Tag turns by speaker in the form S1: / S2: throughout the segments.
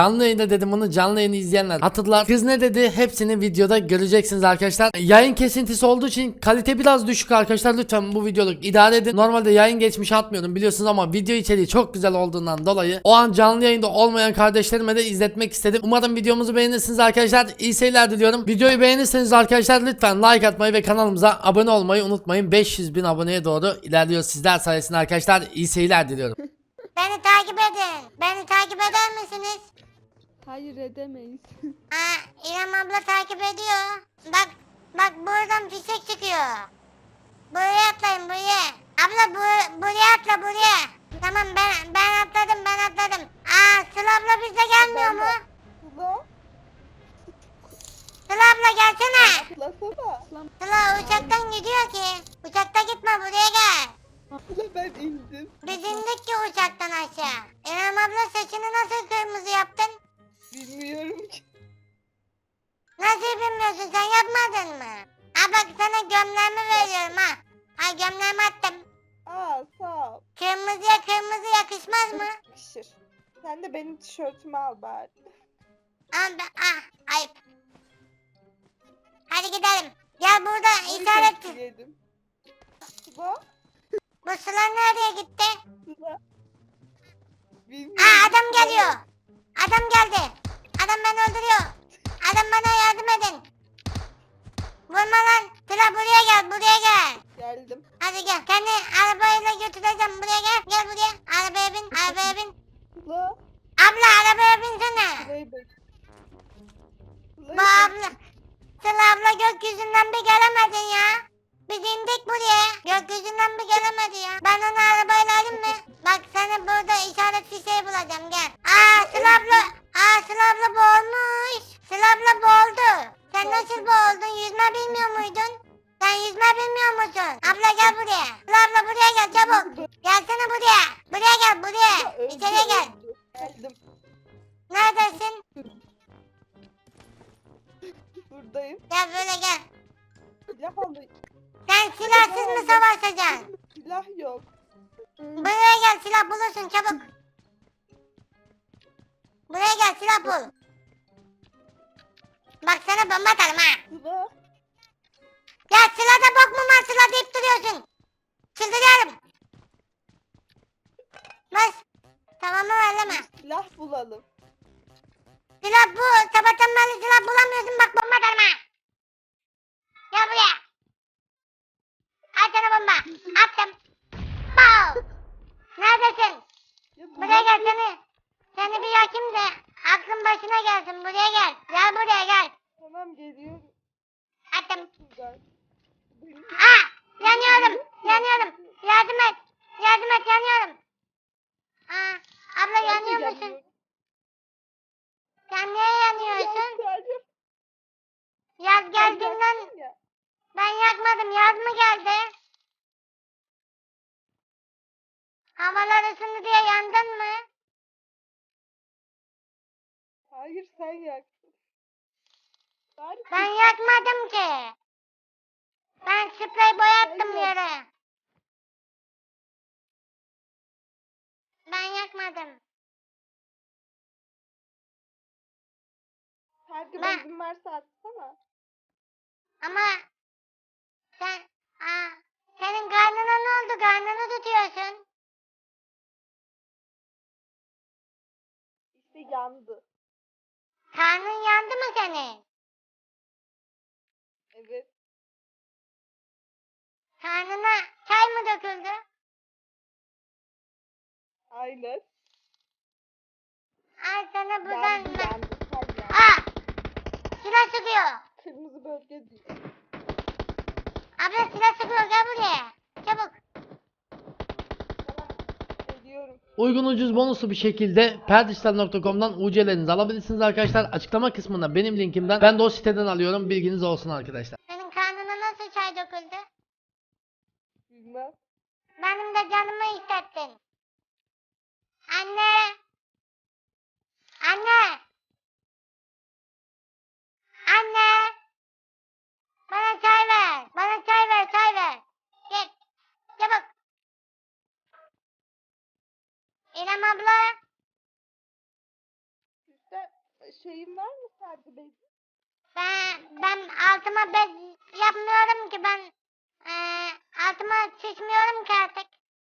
S1: Canlı yayında dedim, bunu canlı yayını izleyenler hatırlar. Kız ne dedi hepsini videoda göreceksiniz arkadaşlar. Yayın kesintisi olduğu için kalite biraz düşük arkadaşlar, lütfen bu videoluk idare edin. Normalde yayın geçmişi atmıyordum biliyorsunuz ama video içeriği çok güzel olduğundan dolayı o an canlı yayında olmayan kardeşlerime de izletmek istedim. Umarım videomuzu beğenirsiniz arkadaşlar. İyi seyirler diliyorum. Videoyu beğenirseniz arkadaşlar lütfen like atmayı ve kanalımıza abone olmayı unutmayın. 500.000 aboneye doğru ilerliyoruz sizler sayesinde arkadaşlar. İyi seyirler diliyorum.
S2: Beni takip edin. Beni takip eder misiniz?
S3: Hayır edemeyiz.
S2: İrem abla takip ediyor. Bak buradan fişek çıkıyor. Buraya atlayın buraya. Abla buraya atla buraya. Tamam ben atladım. Sıla abla bizde gelmiyor mu?
S4: Sıla,
S2: Sıla abla gelsene.
S4: atlasana.
S2: Sıla uçaktan gidiyor ki. Uçakta gitme buraya gel.
S4: Sıla ben indim.
S2: Biz indik ki uçaktan aşağı. İrem abla saçını nasıl kırmızı yaptın?
S4: Bilmiyorum ki.
S2: Nasıl bilmiyorsun, sen yapmadın mı? Bak sana gömleğimi veriyorum ha. Gömleğimi attım.
S4: Sağ ol.
S2: Kırmızıya kırmızı yakışmaz mı?
S4: Yakışır. Sen de benim tişörtümü al bari.
S2: Ayıp. Hadi gidelim. Gel burada işaret.
S4: Yedim. Sıla,
S2: Bu Sıla nereye gitti?
S4: Sıla. Bilmiyorum.
S2: Adam geliyor. Adam geldi. Adam beni öldürüyor. Adam bana yardım edin. Vurma lan. Sıla buraya gel.
S4: Geldim.
S2: Hadi gel. Kendi arabayla götüreceğim. Buraya gel. Gel buraya. Arabaya bin.
S4: Sıla,
S2: Abla arabaya binsene.
S4: Sıla'yı bek.
S2: Bu abla. Sıla abla gökyüzünden bir gelemedin ya. Biz indik buraya. Gökyüzünden bir gelemedi ya. Ben onu arabayla alayım mı? Bak seni burada işaret fişeği bulacağım gel. Sıla abla. Sıla abla boğulmuş. Sıla abla boğuldu. Sen nasıl boğuldun? Yüzme bilmiyor muydun? Sen yüzme bilmiyor musun? Abla gel buraya. Sıla abla buraya gel çabuk. Gelsene buraya. Buraya gel buraya. İçeriye gel.
S4: Geldim.
S2: Neredesin?
S4: Buradayım.
S2: Gel böyle gel.
S4: Silah alayım.
S2: Sen silahsız mı savaşacaksın?
S4: Silah yok.
S2: Buraya gel silah bulursun çabuk. Buraya gel silah bul. Bak sana bomba atarım ha.
S4: Sıla,
S2: Ya silahda bok mu var silah deyip duruyorsun. Çıldırıyorum. Bas. Tamam mı elleme.
S4: silah bulalım.
S2: Silah bu. Sabahtan beri silah bulamıyorsun bak bomba atarım ha. Gel buraya. Al sana bomba. Attım. Pow. Neredesin?
S4: Ya
S2: Buraya gel seni. Seni bir yakayım da aklın başına gelsin. Buraya gel. Gel buraya gel.
S4: Tamam geliyorum.
S2: Attım.
S4: Güzel. Benim-
S2: Yanıyorum. Yardım et. Yanıyorum. Abla
S4: Ben de
S2: yanıyor musun?
S4: yanıyorum.
S2: Sen niye yanıyorsun?
S4: Yanıyorum.
S2: Yaz geldiğinden
S4: Yaktın ya.
S2: ben yakmadım. Yaz mı geldi? Havalar ısındı diye yandın mı?
S4: Hayır sen yaktın. Bari
S2: Ben yakmadım ki. Ben sprey boyattım
S4: Ben
S2: yere. Ben yakmadım.
S4: Herkes
S2: Ben-
S4: izin varsa atsana.
S2: Ama sen senin karnına ne oldu? Karnını tutuyorsun.
S4: İşte yandı.
S2: Karnın yandı mı senin?
S4: Evet.
S2: Karnına çay mı döküldü?
S4: Aynen.
S2: Ay sana buradan...
S4: Yandı yandı. Sen yandı.
S2: Silah sıkıyor.
S4: Kırmızı bölge diyor.
S2: Abla silah sıkıyor gel buraya. Çabuk.
S4: Tamam. Geliyorum.
S1: Uygun ucuz bonuslu bir şekilde perdişler.com'dan UC'lerinizi alabilirsiniz arkadaşlar. Açıklama kısmında benim linkimden, ben de o siteden alıyorum, bilginiz olsun arkadaşlar.
S2: Senin karnına nasıl çay döküldü?
S4: Bilmem.
S2: Benim de canımı hissettin. Anne. Anne. Anne. Bana çay ver. Bana çay ver. Gel. Çabuk. İrem abla.
S4: Güzel. şeyin var mı sargı bezi?
S2: Ben altıma bez yapmıyorum ki ben altıma sıçmıyorum ki artık.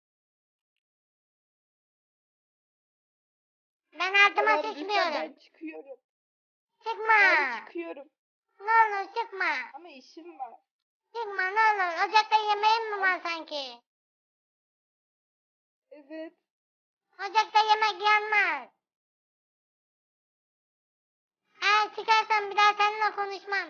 S2: Ben altıma
S4: Tamam, lütfen,
S2: sıçmıyorum.
S4: ben çıkıyorum.
S2: Çıkma.
S4: Ben çıkıyorum.
S2: Ne olur çıkma.
S4: Ama işim var.
S2: Çıkma ne olur. Ocakta yemeğim mi var sanki?
S4: Evet.
S2: Ocakta yemek yanmaz. Eğer çıkarsan bir daha seninle konuşmam.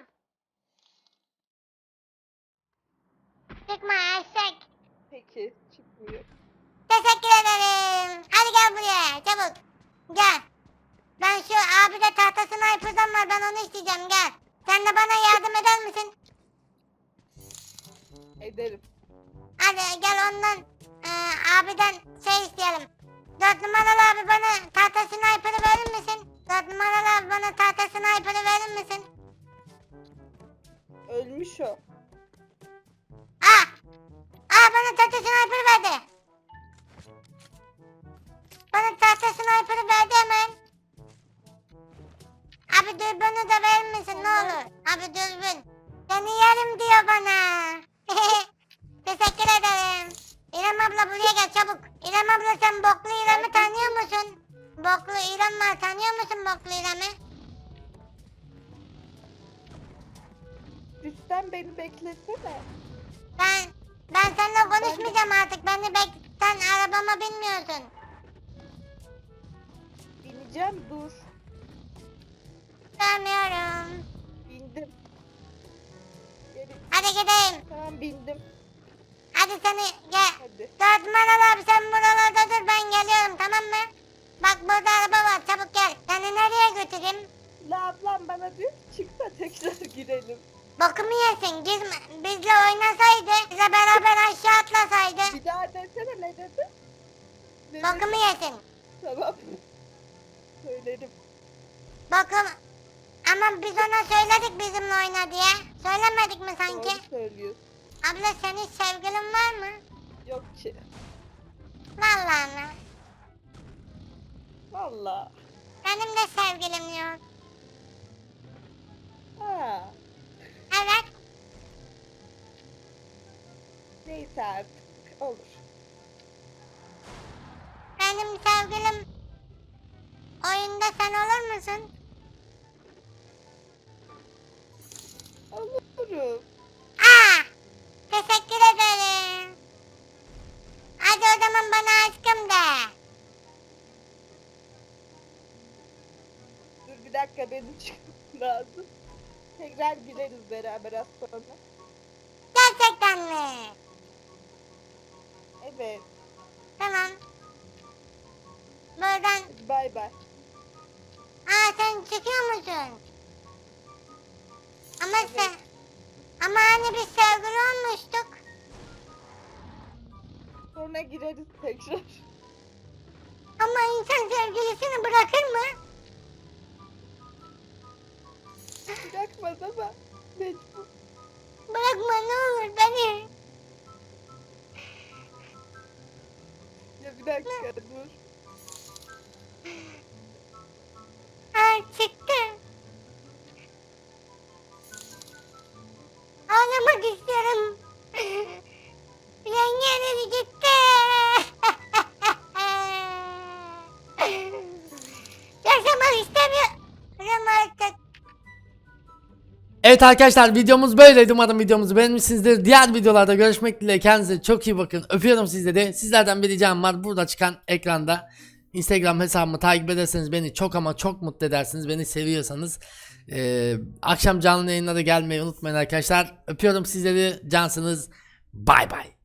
S2: Çıkma eşek.
S4: Peki, çıkmıyor.
S2: Teşekkür ederim. Hadi gel buraya çabuk. Gel. Ben şu abi de tahta sniper'dan var ben onu isteyeceğim gel. Sen de bana yardım eder misin?
S4: Ederim.
S2: Hadi gel ondan abiden şey isteyelim. 4 numaralı abi bana tahta sniper'ı verir misin? 4 numaralı abi bana tahta sniper'ı verir misin?
S4: Ölmüş o.
S2: Bana tahta sniper verdi. Bana tahta sniper'ı verdi hemen. Abi dürbünü de verir misin ne olur? Abi dürbün. Seni yerim diyor bana. Teşekkür ederim. İrem abla buraya gel çabuk. İrem abla sen boklu İrem'i tanıyor musun? Boklu İrem var tanıyor musun boklu İrem'i?
S4: Lütfen beni beklesene.
S2: Ben seninle konuşmayacağım artık. Sen arabama binmiyorsun.
S4: Bineceğim, dur.
S2: Görmüyorum.
S4: Bindim. Geri.
S2: Hadi gidelim.
S4: Tamam, bindim.
S2: Hadi seni gel.
S4: Hadi.
S2: 4 numaralı abi sen buralarda dur ben geliyorum tamam mı? Bak burada araba var çabuk gel. Seni nereye götüreyim?
S4: La ablam bana diyor ki çık da tekrar girelim.
S2: Bokumu yesin. Bizle oynasaydı. Bize beraber aşağı atlasaydı.
S4: Bir daha desene, ne dedi? Ne dedi?
S2: Bokumu yesin.
S4: Tamam. Söylerim.
S2: Bokum. Ama biz ona söyledik bizimle oyna diye. Söylemedik mi sanki?
S4: Doğru söylüyorsun.
S2: Abla senin sevgilin var mı?
S4: Yok ki.
S2: Vallahi mi?
S4: Valla.
S2: Benim de sevgilim yok.
S4: Ha.
S2: Evet.
S4: Neyse artık. Olur.
S2: Benim sevgilim oyunda sen olur musun?
S4: Olurum.
S2: Teşekkür ederim. Hadi o zaman bana aşkım de.
S4: Dur bir dakika, benim çıkmam lazım. Tekrar gireriz beraber az sonra.
S2: Gerçekten mi?
S4: Evet.
S2: Tamam. Buradan.
S4: Hadi bay bay.
S2: Sen çıkıyor musun? Ama
S4: Evet.
S2: Ama hani biz sevgili olmuştuk.
S4: Sonra gireriz tekrar.
S2: Ama insan sevgilisini bırakır mı?
S4: Bırakmaz ama mecbur.
S2: Bırakma ne olur beni.
S4: Ya bir dakika dur.
S2: Çıktı. Ağlamak istiyorum. Yengeleri gitti. Yaşamak istemiyorum artık.
S1: Evet arkadaşlar videomuz böyleydi. Umarım videomuzu beğenmişsinizdir. Diğer videolarda görüşmek dileğiyle. Kendinize çok iyi bakın. Öpüyorum sizleri. Sizlerden bir ricam var. Burada çıkan ekranda Instagram hesabımı takip ederseniz beni çok ama çok mutlu edersiniz. Beni seviyorsanız. Akşam canlı yayınlara gelmeyi unutmayın arkadaşlar. Öpüyorum sizleri. Cansınız. Bay bay.